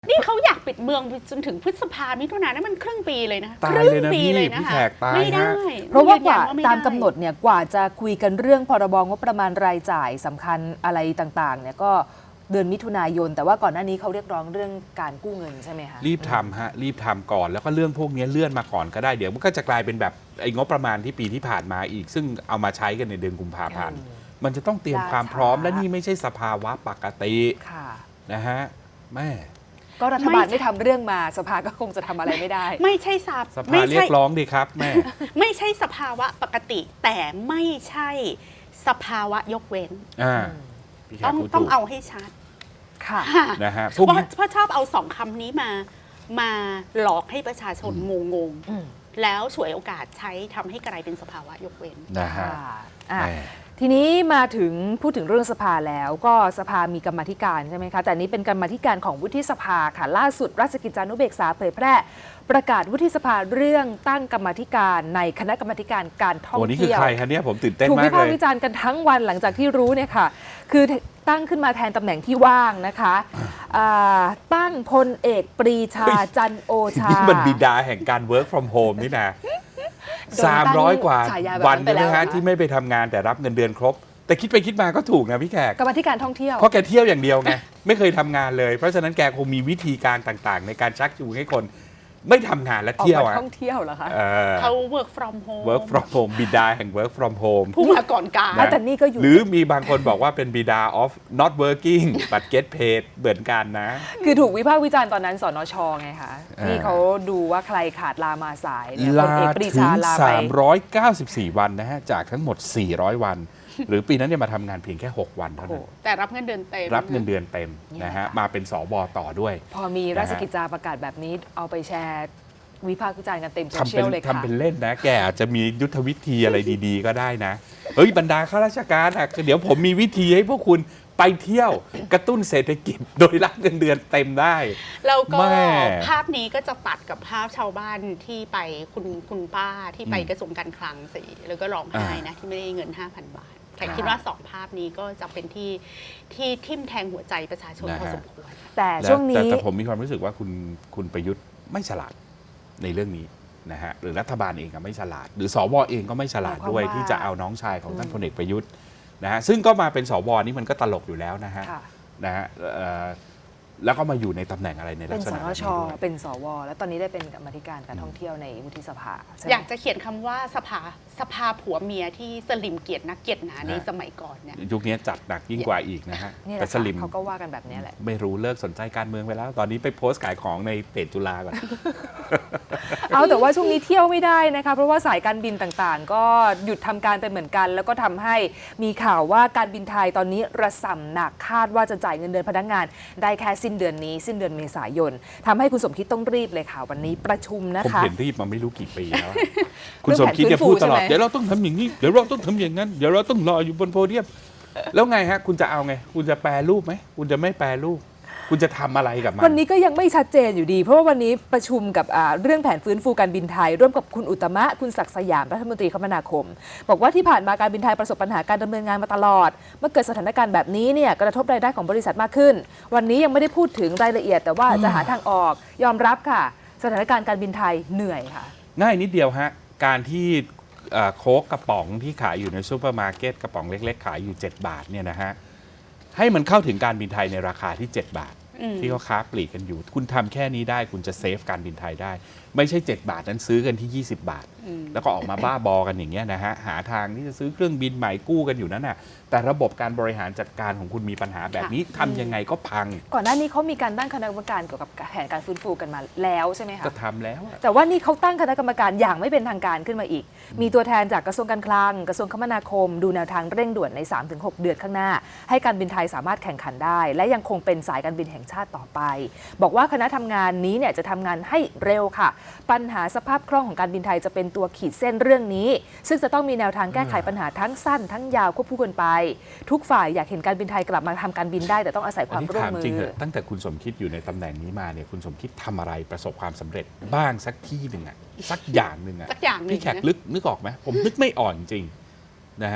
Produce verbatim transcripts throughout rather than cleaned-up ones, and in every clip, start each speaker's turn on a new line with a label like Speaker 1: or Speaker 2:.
Speaker 1: นี่เขาอยากปิดเมืองจนถึงพฤษภามิถุนายนนั่นมันครึ่งปีเลยนะ
Speaker 2: ตายเลยนะพี่พี่แขกตาย
Speaker 1: ไม่ได้
Speaker 3: เพราะว่ากว่า
Speaker 1: ยืนยันไม่
Speaker 3: ตาม
Speaker 1: ได้
Speaker 3: กำหนดเนี่ยกว่าจะคุยกันเรื่องพรบงบประมาณรายจ่ายสำคัญอะไรต่างๆเนี่ยก็เดือนมิถุนายนแต่ว่าก่อนหน้านี้เขาเรียกร้องเรื่องการกู้เงินใช่ไหมคะ
Speaker 2: รีบทำฮะรีบทำก่อนแล้วก็เรื่องพวกนี้เลื่อนมาก่อนก็ได้เดี๋ยวมันก็จะกลายเป็นแบบไอ้งบประมาณที่ปีที่ผ่านมาอีก ซึ่งเอามาใช้กันในเดือนกุมภาพันธ์มันจะต้องเตรียมความพร้อมและนี่ไม่ใช่สภาวะปกติ
Speaker 3: ค่ะ
Speaker 2: นะฮะแม่
Speaker 3: ก็รัฐบาลไม่ทำเรื่องมาสภาก็คงจะทำอะไรไม่ได้
Speaker 1: ไม่ใช่สับ
Speaker 2: สภาเรียกร้องดีครับแม่
Speaker 1: ไม่ใช่สภาวะปกติ แต่ไม่ใช่สภาวะยกเว้น
Speaker 2: อ่าพี่แข
Speaker 1: ต้
Speaker 2: ก
Speaker 1: อง
Speaker 2: พูด
Speaker 1: ต้อง
Speaker 2: ถูก
Speaker 1: เอาให้ชัด
Speaker 3: ค่ะ
Speaker 1: ค่ะ
Speaker 2: นะฮะ
Speaker 1: เพ
Speaker 2: พวก
Speaker 1: ราะ
Speaker 2: นี้
Speaker 1: เพราะชอบเอาสองคำนี้มามาหลอกให้ประชาชนงงง
Speaker 3: อืม
Speaker 1: ๆแล้วฉวยโอกาสใช้ทำให้กลายเป็นสภาวะยกเว้น
Speaker 2: นะฮะ
Speaker 3: ค่ะอ่ะ
Speaker 2: แม่
Speaker 3: ทีนี้มาถึงพูดถึงเรื่องสภาแล้วก็สภามีกรรมาธิการใช่ไหมคะแต่นี้เป็นกรรมาธิการของวุฒิสภาค่ะล่าสุดราชกิจจานุเบกษาเผยแพร่ประกาศวุฒิสภาเรื่องตั้งกรรมาธิการในคณะกรรมาธิการการท่อง
Speaker 2: โอ้นี่คือ
Speaker 3: เที่ยว
Speaker 2: ใครคะเนี่ยผมตื่นเต้น
Speaker 3: ถูก
Speaker 2: มา
Speaker 3: วิ
Speaker 2: ก
Speaker 3: พาก
Speaker 2: เล
Speaker 3: ษ์
Speaker 2: ย
Speaker 3: วิจารณ์กันทั้งวันหลังจากที่รู้เนี่ยค่ะ คือตั้งขึ้นมาแทนตำแหน่งที่ว่างนะคะอ่าตั้งพลเอกปรีชา
Speaker 2: เฮ้ย
Speaker 3: จันโอชา
Speaker 2: นี่มันบิดาแห่งการ work from home นี่นะ
Speaker 3: โดนตั้ง
Speaker 2: สามร้อยกว่า
Speaker 3: ฉายาแบบนั้น
Speaker 2: วัน
Speaker 3: ไป
Speaker 2: ใช่ไหม
Speaker 3: แล้ว
Speaker 2: ฮะ
Speaker 3: นะคะ
Speaker 2: ที่ไม่ไปทำงานแต่รับเงินเดือนครบ แต่คิดไปคิดมาก็ถูกนะพี่แขก
Speaker 3: กรรมาธิการท่องเที่ยว
Speaker 2: เพราะแกเที่ยวอย่างเดียวไง ไม่เคยทำงานเลย เพราะฉะนั้นแกคงมีวิธีการต่างๆ ในการชักจูงให้คนไม่ทำงานและ
Speaker 3: ออก
Speaker 2: เที่ยว
Speaker 3: มา
Speaker 2: อะ
Speaker 3: ท่องเที่ยวเหรอคะ
Speaker 2: เออ
Speaker 1: เขา work from home
Speaker 2: work from home บิดาแห่ง work from home
Speaker 1: ผู้มาก่อนการ
Speaker 2: นะ
Speaker 3: แต่นี่ก็อยู่
Speaker 2: หรือมีบางคนบอกว่าเป็นบิดา of not working but get paid เหมือนกันนะ
Speaker 3: คือถูกวิพากษ์วิจารณ์ตอนนั้นสนชไงคะ
Speaker 2: อ่า
Speaker 3: ที่เขาดูว่าใครขาดลามาสายเนี่ยพล
Speaker 2: ลา
Speaker 3: เอกปรี
Speaker 2: ถึ
Speaker 3: ชาง ลาไป
Speaker 2: สามร้อยเก้าสิบสี่ วันนะฮะ จากทั้งหมด สี่ร้อย วัน หรือปีนั้นเนี่ยมาทำงานเพียงแค่ หก วันเท่านั้น
Speaker 1: แต่รับเงินเดือนเต็ม
Speaker 2: รับเงินเดือนเต็มนะฮะ มาเป็นสบต่อด้วย
Speaker 3: พอมีราชกิจจาประกาศแบบนี้เอาไปแชร์วิพากษ์วิจารณ์กันเต็มโซ
Speaker 2: ทำ
Speaker 3: เชี
Speaker 2: เป็
Speaker 3: ย
Speaker 2: น
Speaker 3: ลเลยค่ะ
Speaker 2: ทำเป็นเล่นนะ แกอาจจะมียุทธวิธีอะไรดีๆ ก็ได้นะ เฮ้ย บรรดาข้าราชการอ่ะเดี๋ยวผมมีวิธีให้พวกคุณไปเที่ยวกระตุ้นเศรษฐกิจ โดยรับเงินเดือนเต็มได้
Speaker 1: แล้วก็
Speaker 2: แม่
Speaker 1: ภาพนี้ก็จะตัดกับภาพชาวบ้านที่ไปคุณคุณป้าที่ไป
Speaker 2: อืม
Speaker 1: กระทรวงการคลังสิแล้วก็ร้องไห้นะที่ไม่ได้เงิน ห้าพัน บาทแต่คิดว่าสองภาพนี้ก็จะเป็นที่ที่ทิ่มแทงหัวใจประชาชนพอสมควร
Speaker 3: แต่
Speaker 2: และ
Speaker 3: ช่วง
Speaker 2: แต่
Speaker 3: นี้
Speaker 2: แต่ผมมีความรู้สึกว่าคุณคุณประยุทธ์ไม่ฉลาดในเรื่องนี้นะฮะหรือรัฐบาลเองก็ไม่ฉลาด หรือสวเองก็ไม่ฉลาดด้วย
Speaker 3: หมายความว่า
Speaker 2: ที่จะเอาน้องชายของท่านพลเอกประยุทธ์นะฮะซึ่งก็มาเป็นสวนี่มันก็ตลกอยู่แล้วนะฮะ
Speaker 3: ค่ะ
Speaker 2: นะฮะเอ่อแล้วก็มาอยู่ในตำแหน่งอะไรในลั
Speaker 3: เป็
Speaker 2: ก
Speaker 3: น
Speaker 2: ษ
Speaker 3: ส
Speaker 2: ณะ
Speaker 3: น
Speaker 2: แบบ
Speaker 3: ช
Speaker 2: นี้ด้วย
Speaker 3: เป็นสวแล้วตอนนี้ได้เป็นกรรมาธิการการท่องเที่ยวในวุฒิสภาใช่ไหม
Speaker 1: อยากจะเขียนคำว่าสภาสภาผัวเมียที่สลิมเกียรตินักเกียรติหนาในสมัยก่อนเนี่ย
Speaker 2: ยุคนี้จัดหนักยิ่งกว่าอีกนะฮะ
Speaker 3: นี่แห
Speaker 2: แต่
Speaker 3: ละ
Speaker 2: ส
Speaker 3: ค่ะ
Speaker 2: ลิม
Speaker 3: เขาก็ว่ากันแบบนี้แหละ
Speaker 2: ไม่รู้เลิกสนใจการเมืองไปแล้ว ตอนนี้ไปโพสต์ขายของในเพจจุฬาก่อน
Speaker 3: เอาแต่ว่าช่วงนี้เที่ยวไม่ได้นะคะเพราะว่าสายการบินต่างๆ ก็หยุดทำการไปเหมือนกัน แล้วก็ทำให้มีข่าวว่าการบินไทยตอนนี้ระส่ำหนักคาดว่าจะจ่ายเงินเดือนพนักงาน ได้แค่สิ้นเดือนนี้ สิ้นเดือนเมษายนทำให้คุณสมคิดต้องรีบเลยค่ะวันนี้ประชุมนะ
Speaker 2: ผม
Speaker 3: คะ
Speaker 2: เห็นรีบมาไม่รู้กี่ปีแล้ว คุณสมคิดจะพูดตลอด
Speaker 3: เรื่องแผนฟื้นฟูใช่ไหม
Speaker 2: เดี๋ยวเราต้องทำอย่างนี้ เดี๋ยวเราต้องทำอย่างนั้น เดี๋ยวเราต้องรออยู่บนโพเดียม แล้วไงฮะ คุณจะเอาไง คุณจะแปรรูปไหม คุณจะไม่แปรรูป คุณจะทำอะไรกับมัน
Speaker 3: วันนี้ก็ยังไม่ชัดเจนอยู่ดี เพราะว่าวันนี้ประชุมกับอ่าเรื่องแผนฟื้นฟูการบินไทย ร่วมกับคุณอุตตมะคุณศักดิ์สยามรัฐมนตรีคมนาคม บอกว่าที่ผ่านมาการบินไทยประสบปัญหาการดำเนินงานมาตลอด เมื่อเกิดสถานการณ์แบบนี้เนี่ยกระทบรายได้ของบริษัทมากขึ้น วันนี้ยังไม่ได้พูดถึงรายละเอียด แต่ว่าจะหาทางออกยอมรับค่ะ สถานการณ์การบินไทยเหนื่อยค่ะ
Speaker 2: ง่ายนิดเดียวฮะ การที่เอ่อโค้กกระป๋องที่ขายอยู่ในซูเปอร์มาร์เก็ตกระป๋องเล็กๆ ขายอยู่ เจ็ด บาทเนี่ยนะฮะ ให้มันเข้าถึงการบินไทยในราคาที่ เจ็ด บาท
Speaker 1: อืม
Speaker 2: ที่เขาค้าปลีกกันอยู่ คุณทำแค่นี้ได้คุณจะเซฟการบินไทยได้ ไม่ใช่ เจ็ด บาทนั้นซื้อกันที่ ยี่สิบ บาท
Speaker 1: อืม
Speaker 2: แล้วก็ออกมาบ้าบอกันอย่างเงี้ยนะฮะ หาทางที่จะซื้อเครื่องบินใหม่กู้กันอยู่นั่นน่ะ แต่ระบบการบริหารจัดการของคุณมีปัญหาแบบนี้ทำยังไงก็พัง
Speaker 3: ก่อนหน้านี้เขามีการตั้งคณะกรรมการเกี่ยวกับแผนการฟื้นฟูกันมาแล้วใช่ไหไหมคะ
Speaker 2: ก็ทำแล้วอะ
Speaker 3: แต่ว่านี่เขาตั้งคณะกรรมการอย่างไม่เป็นทางการขึ้นมาอีก มีตัวแทนจากกระทรวงการคลัง กระทรวงคมนาคม ดูแนวทางเร่งด่วนใน สามถึงหก เดือนข้างหน้า ให้การบินไทยสามารถแข่งขันได้ และยังคงเป็นสายการบินแห่งชาติต่อไป บอกว่าคณะทำงานนี้เนี่ยจะทำงานให้เร็วค่ะ ปัญหาสภาพคล่องของการบินไทยจะเป็นตัวขีดเส้นเรื่องนี้ ซึ่งจะต้องมีแนวทางแก้ไขปัญหาทั้งสั้น ทั้งยาวควบคู่กันไป ทุกฝ่ายอยากเห็นการบินไทยกลับมาทำการบินได้แต่ต้องอาศัยค
Speaker 2: อัน
Speaker 3: วาม
Speaker 2: นี้
Speaker 3: ร่วม
Speaker 2: ถาม
Speaker 3: มือ
Speaker 2: จริงเหรอะตั้งแต่คุณสมคิดอยู่ในตำแหน่งนี้มาเนี่ยคุณสมคิดทำอะไรประสบความสำเร็จบ้างสักที่หนึ่งอะสักอย่างหนึ่งอะ
Speaker 1: สักอย่างหนึ่ง
Speaker 2: พี่แขก
Speaker 1: นะ
Speaker 2: ลึกนึกออกไหมผมนึกไม่อ่อนจริงนะฮะ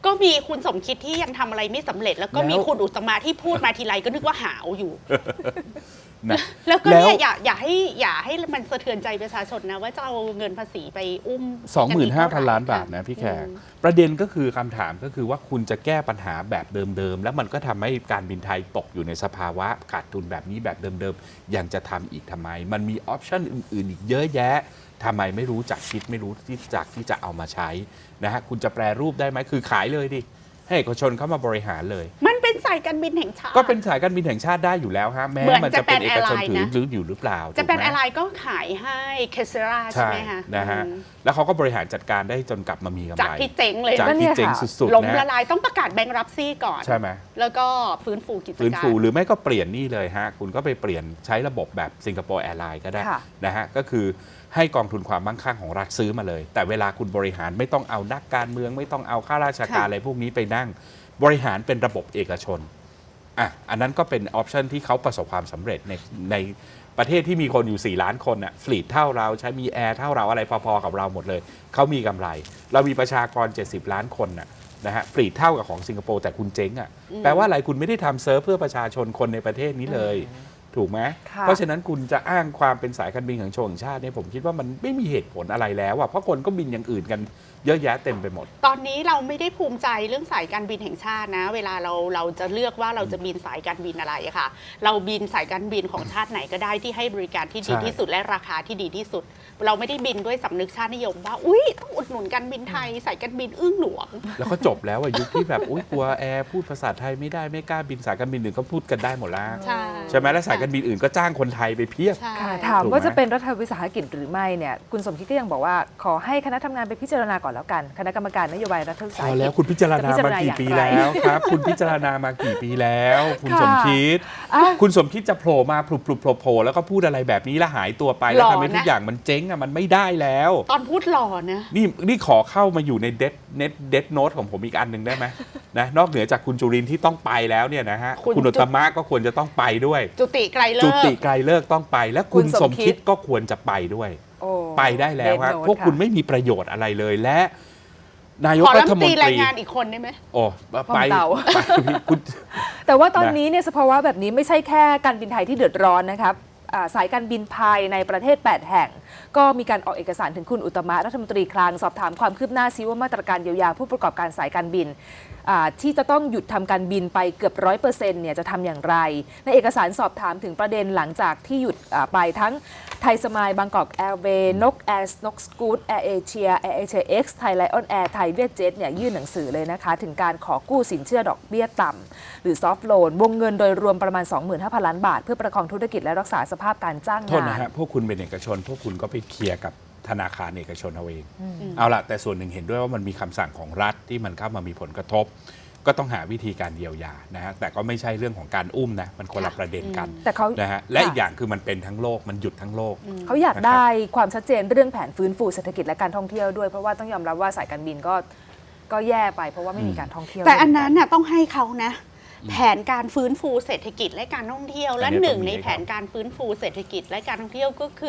Speaker 1: ก็มีคุณสมคิดที่ยังทำอะไรไม่สำเร็จ แล้วก็มี
Speaker 2: แล้ว
Speaker 1: คุณอุตตมะที่พูดมาทีไรก็นึกว่าหาวอยู่
Speaker 2: นะ
Speaker 1: แล้วก็
Speaker 2: แล้ว
Speaker 1: เนี่ยอย่าอย่าให้อย่าให้มันสะเทือนใจประชาชนนะว่าจะเอาเงินภาษีไปอุ้ม
Speaker 2: สองหมื่นห้าพัน
Speaker 1: กั
Speaker 2: ล้าน
Speaker 1: อีก
Speaker 2: บาท
Speaker 1: เท่ไหร่
Speaker 2: นะพี่แขก
Speaker 1: อืม
Speaker 2: ประเด็นก็คือคำถามก็คือว่าคุณจะแก้ปัญหาแบบเดิมๆ แล้วมันก็ทำให้การบินไทยตกอยู่ในสภาวะขาดทุนแบบนี้แบบเดิมๆ ยังจะทำอีกทำไม มันมีออปชันอื่นๆ อีกเยอะแยะทำไมไม่รู้จักคิดไม่รู้ที่จักที่จะเอามาใช้นะฮะคุณจะแปรรูปได้ไหมคือขายเลยดิให้เอกชนเข้ามาบริหารเลย
Speaker 1: มันเป็นสายการบินแห่งชาติ
Speaker 2: ก็เป็นสายการบินแห่งชาติได้อยู่แล้วฮะแม้
Speaker 1: เหมือน
Speaker 2: มันจะเป็น
Speaker 1: Japan
Speaker 2: เอกชน
Speaker 1: Airline
Speaker 2: ถือ
Speaker 1: นะ
Speaker 2: หรืออยู่หรือเปล่า
Speaker 1: จะเป็น
Speaker 2: ถูกไหม
Speaker 1: อะไรก็ขายให้เคเซราใช่
Speaker 2: ใช่
Speaker 1: ไหมคะ
Speaker 2: นะฮะ
Speaker 1: อืม
Speaker 2: แล้วเขาก็บริหารจัดการได้จนกลับมามีกำ
Speaker 1: จาก
Speaker 2: ไร
Speaker 1: ที่เจ๊งเลย
Speaker 2: จาก
Speaker 3: ก็เนี่
Speaker 2: ที่
Speaker 3: ย
Speaker 2: เจ๊ง
Speaker 3: ค่ะ
Speaker 2: สุด
Speaker 1: ล้ม
Speaker 2: ๆ
Speaker 1: ละ
Speaker 2: นะ
Speaker 1: ลายต้องประกาศแบงค์รับซี่ก่อน
Speaker 2: ใช่ไหม
Speaker 1: แล้วก็ฟื้นฟูกิจการ
Speaker 2: ฟื้นฟูหรือไม่ก็เปลี่ยนนี่เลยฮะ คุณก็ไปเปลี่ยนใช้ระบบแบบสิงคโปร์แอร์ไลน์ก็ได้
Speaker 3: ค่ะ
Speaker 2: นะฮะ ก็คือให้กองทุนความมั่งคั่งของรัฐซื้อมาเลย แต่เวลาคุณบริหารไม่ต้องเอานักการเมืองไม่ต้องเอาข้าราชการอะไรพวกนี้ไปนั่ง บริหารเป็นระบบเอกชนอ่ะอันนั้นก็เป็นออปชันที่เขาประสบความสำเร็จในในประเทศที่มีคนอยู่ สี่ ล้านคนน่ะฟลีทเท่าเราใช้มีแอร์เท่าเราอะไรพอๆกับเราหมดเลยเขามีกำไร เรามีประชากร เจ็ดสิบ ล้านคนน่ะนะฮะฟลีทเท่ากับของสิงคโปร์แต่คุณเจ๊งอ่ะแปลว่าอะไรคุณไม่ได้ทำเซิร์ฟเพื่อประชาชนคนในประเทศนี้เลย ถูกไหม
Speaker 3: ค่ะ
Speaker 2: เพราะฉะนั้นคุณจะอ้างความเป็นสายการบินของชนชาติเนี่ยผมคิดว่ามันไม่มีเหตุผลอะไรแล้วอ่ะเพราะคนก็บินอย่างอื่นกันเยอะแยะเต็มไปหมด
Speaker 1: ตอนนี้เราไม่ได้ภูมิใจเรื่องสายการบินแห่งชาตินะ เวลาเราเราจะเลือกว่าเราจะบินสายการบินอะไรอะค่ะ เราบินสายการบินของชาติไหนก็ได้ที่ให้บริการที่ดี
Speaker 2: ใช่
Speaker 1: ที่สุดและราคาที่ดีที่สุด เราไม่ได้บินด้วยสำนึกชาตินิยมว่าอุ้ยต้องอุดหนุนการบินไทยสายการบินอึ้งหลวง
Speaker 2: แล้วก็จบแล้วอะยุคที่แบบอุ้ยกลัวแอร์พูดภาษาไทยไม่ได้ไม่กล้าบินสายการบินอื่นเขาพูดกันได้หมดแล้ว
Speaker 1: ใช่
Speaker 2: ใช่ไหมแล้วสายการบินอื่นก็จ้างคนไทยไปเพียบ
Speaker 1: ใช่
Speaker 3: ค่ะถาม
Speaker 2: ถูกไหม
Speaker 3: ว่าจะเป็นรัฐวิสาหกิจหรือไม่เนี่ยคุณสมคิดก็ยังบอกว่าขอให้คณะทำงานไปพิจารณาก่อนแล้วกัน คณะกรรมการนโยบายรัฐวิ
Speaker 2: พ
Speaker 3: สาห
Speaker 2: อ
Speaker 3: กิจ
Speaker 2: แล้วคุณพิจารณา
Speaker 3: จะพิจาร
Speaker 2: มา
Speaker 3: ณา
Speaker 2: กี่
Speaker 3: อย่าง
Speaker 2: ปี
Speaker 3: ไร
Speaker 2: แล้วครับ คุณพิจารณามากี่ปีแล้ว คุณ
Speaker 3: ค่ะ
Speaker 2: สมคิด
Speaker 3: อ่ะ
Speaker 2: คุณสมคิดจะโผล่มาพลุบพลุบโผล่โผล่แล้วก็พูดอะไรแบบนี้แล้วหายตัวไปแล้ว
Speaker 1: หล่อ
Speaker 2: ทำให้ทุก
Speaker 1: นะ
Speaker 2: อย่างมันเจ๊งอะมันไม่ได้แล้ว
Speaker 1: ตอนพูดหล่อนะ
Speaker 2: นี่นี่ขอเข้ามาอยู่ในเดดเน็ตเดดโนตของผมอีกอันหนึ่งได้ไหม นะนอกเหนือจากคุณจุรินทร์ที่ต้องไปแล้วเนี่ยนะฮะ
Speaker 1: คุณ
Speaker 2: คุณอุตตมะก็ควรจะต้องไปด้วย
Speaker 1: จุติไกรเลิ
Speaker 2: จุ
Speaker 1: ก
Speaker 2: ติไกรเลิกต้องไป และคุณ
Speaker 3: คุณ
Speaker 2: ส
Speaker 3: ส
Speaker 2: ม
Speaker 3: มคิ
Speaker 2: คิด
Speaker 3: ด
Speaker 2: ก็ควรจะไปด้วย
Speaker 3: โอ้
Speaker 2: ไปได้แล้วครับ
Speaker 3: เดนโนต
Speaker 2: พวกคุณ
Speaker 3: ะ
Speaker 2: ไม่มีประโยชน์อะไรเลยและ นายก
Speaker 1: ขอ
Speaker 2: รั
Speaker 1: รัฐ
Speaker 2: ฐ
Speaker 1: ม
Speaker 2: ม
Speaker 1: น
Speaker 2: น
Speaker 1: ตรี
Speaker 2: ต
Speaker 1: ราย
Speaker 2: รี
Speaker 1: งานอีกคนได้ไหม
Speaker 2: โอ้ไป
Speaker 3: เต่า
Speaker 2: ไปคุณ
Speaker 3: แต่ว่าตอน
Speaker 2: นะ
Speaker 3: นี้เนี่ยสภาวะแบบนี้ไม่ใช่แค่การบินไทยที่เดือดร้อนนะครับอ่าสายการบินภายในประเทศ แปด แห่ง ก็มีการออกเอกสารถึงคุณอุตตมะรัฐมนตรีคลังสอบถามความคืบหน้าซิว่ามาตรการเยียวยาผู้ประกอบการสายการบินอ่าที่จะต้องหยุดทำการบินไปเกือบร้อยเปอร์เซ็นต์เนี่ยจะทำอย่างไร ในเอกสารสอบถามถึงประเด็นหลังจากที่หยุดอ่าไปทั้งไทยสมายบางกอกแอร์เวย์นกแอร์นกสกูตแอร์เอเชียแอร์เอเชียเอ็กซ์ไทยไลออนแอร์ไทยเวียดเจ็ตเนี่ยยื่นหนังสือเลยนะคะถึงการขอกู้สินเชื่อดอกเบี้ยต่ำหรือซอฟท์โลนวงเงินโดยรวมประมาณ สองหมื่นห้าพัน ล้านบาท เพื่อประคองธุรกิจและรักษาสภาพการจ้าง
Speaker 2: โทษ
Speaker 3: งา
Speaker 2: นะ
Speaker 3: น
Speaker 2: ฮะพวกคุณเป็นเอกชน พวกคุณก็ไปเคลียร์กับธนาคารเอกชนเอาเองเอาละแต่ส่วนหนึ่งเห็นด้วยว่ามันมีคำสั่งของรัฐที่มันเข้ามามีผลกระทบ ก็ต้องหาวิธีการเยียวยานะฮะแต่ก็ไม่ใช่เรื่องของการอุ้มนะมันคนละประเด็นกัน
Speaker 3: แต่เขา
Speaker 2: นะฮะและ
Speaker 3: ค่ะ
Speaker 2: อีกอย่างคือมันเป็นทั้งโลกมันหยุดทั้งโลก
Speaker 3: เขาอยากได้ความชัดเจนเรื่องแผนฟื้นฟูเศรษฐกิจและการท่องเที่ยวด้วยเพราะว่าต้องยอมรับว่าสายการบินก็ก็แย่ไปเพราะว่าไม่มีการท่องเที่ยว
Speaker 1: แต่อันนั้น
Speaker 3: ด้วย
Speaker 1: น่ะต้องให้เขานะ แผนการฟื้นฟูเศรษฐกิจและการท่องเที่ยว และ
Speaker 2: อันนี้
Speaker 1: หนึ่ง
Speaker 2: ต้องมี
Speaker 1: ใน
Speaker 2: ให้
Speaker 1: แผนการฟื้นฟูเศรษฐกิจและการท่องเที่ยวก็คือ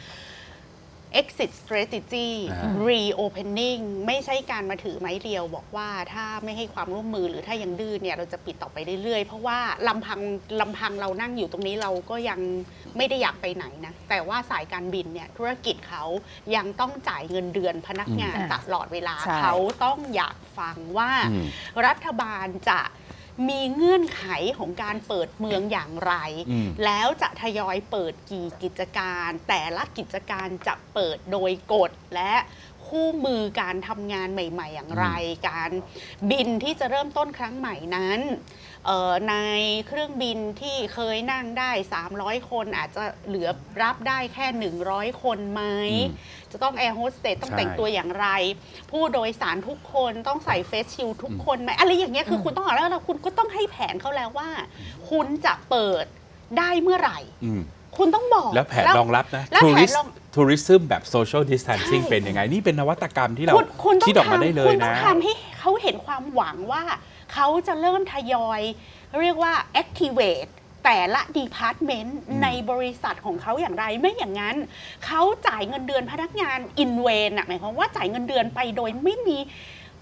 Speaker 1: exit strategy
Speaker 2: อ่า
Speaker 1: reopening ไม่ใช่การมาถือไม้เรียวบอกว่าถ้าไม่ให้ความร่วมมือหรือถ้ายังดื้อเนี่ยเราจะปิดต่อไปเรื่อยๆ เพราะว่าลำพังลำพังเรานั่งอยู่ตรงนี้เราก็ยังไม่ได้อยากไปไหนนะ แต่ว่าสายการบินเนี่ยธุรกิจเขายังต้องจ่ายเงินเดือนพนักงาน
Speaker 3: อืม
Speaker 1: ตลอดเวลา
Speaker 3: ใช่
Speaker 1: เขาต้องอยากฟังว่า
Speaker 2: อืม
Speaker 1: รัฐบาลจะมีเงื่อนไขของการเปิดเมืองอย่างไร
Speaker 2: อืม
Speaker 1: แล้วจะทยอยเปิดกี่กิจการ แต่ละกิจการจะเปิดโดยกฎและคู่มือการทำงานใหม่ๆอย่างไร การบินที่จะเริ่มต้นครั้งใหม่นั้นเอ่อในเครื่องบินที่เคยนั่งได้ สามร้อย คนอาจจะเหลือรับได้แค่ หนึ่งร้อย คนไหม
Speaker 2: อืม
Speaker 1: จะต้องแอร์โฮสเตสต้อง
Speaker 2: ใช่
Speaker 1: แต่งตัวอย่างไร ผู้โดยสารทุกคนต้องใส่เฟสชิลด์ทุกคนไหมอะไรอย่างเงี้ยคือคุณต้องเอาแล้วแล้วคุณก็ต้องให้แผนเขาแล้วว่า คุณจะเปิดได้เมื่อไหร่
Speaker 2: อืม
Speaker 1: คุณต้องบอก
Speaker 2: แล้วแผนรองรับนะ
Speaker 1: แล้ว
Speaker 2: ทัว
Speaker 1: แผ
Speaker 2: ริ
Speaker 1: น
Speaker 2: ส
Speaker 1: รอง
Speaker 2: ทัวริซึมแบบโซเชียลดิส a ทนซิ่ง
Speaker 1: ใช่
Speaker 2: เป็นยังไง นี่เป็นนวัตกรรมที่เรา
Speaker 1: คุณคุณต้
Speaker 2: คิ
Speaker 1: อ
Speaker 2: ด
Speaker 1: ง
Speaker 2: ออกมาได้
Speaker 1: ทำ
Speaker 2: เล
Speaker 1: คุ
Speaker 2: ย
Speaker 1: ณต้อ
Speaker 2: นะ
Speaker 1: งทำให้เขาเห็นความหวังว่า เขาจะเริ่มทยอย เรียกว่า activate แต่ละ department ในบริษัทของเขาอย่างไรไม่อย่างนั้น เขาจ่ายเงินเดือนพนักงาน in vain น่ะหมายความว่าจ่ายเงินเดือนไปโดยไม่มี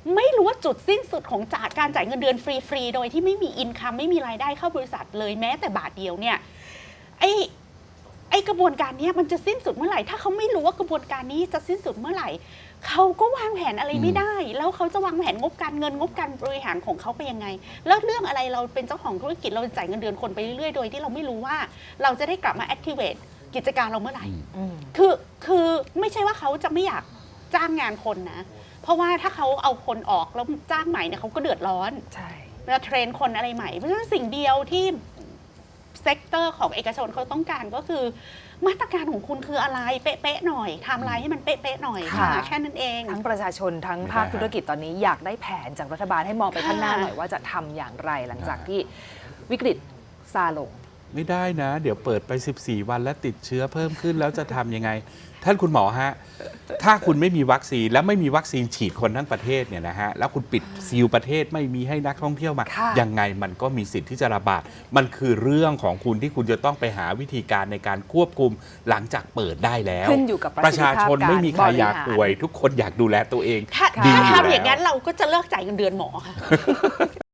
Speaker 1: ไม่รู้ว่าจุดสิ้นสุดของจากการจ่ายเงินเดือนฟรีๆโดยที่ไม่มีอินคัมไม่มีรายได้เข้าบริษัทเลยแม้แต่บาทเดียวเนี่ยไอไอกระบวนการเนี้ยมันจะสิ้นสุดเมื่อไหร่ถ้าเขาไม่รู้ว่ากระบวนการนี้จะสิ้นสุดเมื่อไหร่เขาก็วางแผนอะไรไม่ได้ แล้วเขาจะวางแผนงบการเงินงบการบริหารของเขาไปยังไงแล้วเรื่องอะไรเราเป็นเจ้าของธุรกิจเราจ่ายเงินเดือนคนไปเรื่อยๆโดยที่เราไม่รู้ว่าเราจะได้กลับมา activate กิจการเราเมื่อไหร่
Speaker 3: อืม
Speaker 1: คือคือไม่ใช่ว่าเขาจะไม่อยากจ้างงานคนนะ เพราะว่าถ้าเขาเอาคนออกแล้วจ้างใหม่เนี่ยเขาก็เดือดร้อน
Speaker 3: ใช่
Speaker 1: จะเทรนคนอะไรใหม่ เพราะฉะนั้นสิ่งเดียวที่เซกเตอร์ของเอกชนเขาต้องการก็คือ มาตรการของคุณคืออะไรเป๊ะๆหน่อยไทม์ไลน์ให้มันเป๊ะๆหน่อยค่ะ
Speaker 3: ค่ะ
Speaker 1: แค่นั้นเอง
Speaker 3: ทั้งประชาชนทั้ง
Speaker 2: ไม่ได้
Speaker 3: ภาคธุรกิจตอนนี้อยากได้แผนจากรัฐบาลให้มองไปข้างหน้า
Speaker 1: ค่ะ
Speaker 3: หน่อยว่าจะทำอย่างไรหลังจากที่วิกฤตซาลง
Speaker 2: ไม่ได้นะ เดี๋ยวเปิดไป สิบสี่ วันแล้วติดเชื้อเพิ่มขึ้นแล้วจะทำยังไง ท่านคุณหมอฮะ ถ้าคุณไม่มีวัคซีนแล้วไม่มีวัคซีนฉีดคนทั้งประเทศเนี่ยนะฮะแล้วคุณปิดซีลประเทศไม่มีให้นักท่องเที่ยวมา
Speaker 3: ค่ะ
Speaker 2: ยังไงมันก็มีสิทธิ์ที่จะระบาด มันคือเรื่องของคุณที่คุณจะต้องไปหาวิธีการในการควบคุมหลังจากเปิดได้แล้ว
Speaker 3: ขึ้นอยู่กับประ
Speaker 2: ประ
Speaker 3: สิทธิ
Speaker 2: ชา
Speaker 3: ภาพ
Speaker 2: ชนไม่มีใครอยาก
Speaker 3: บริหาร
Speaker 2: ป่วย ทุกคนอยากดูแลตัวเอง
Speaker 1: ถ้า
Speaker 2: ดี
Speaker 1: ถ้า
Speaker 2: อยู่
Speaker 1: ทำอย่าง
Speaker 2: แล้ว
Speaker 1: นั้นเราก็จะเลิกจ่ายเงินเดือนหมอค่ะ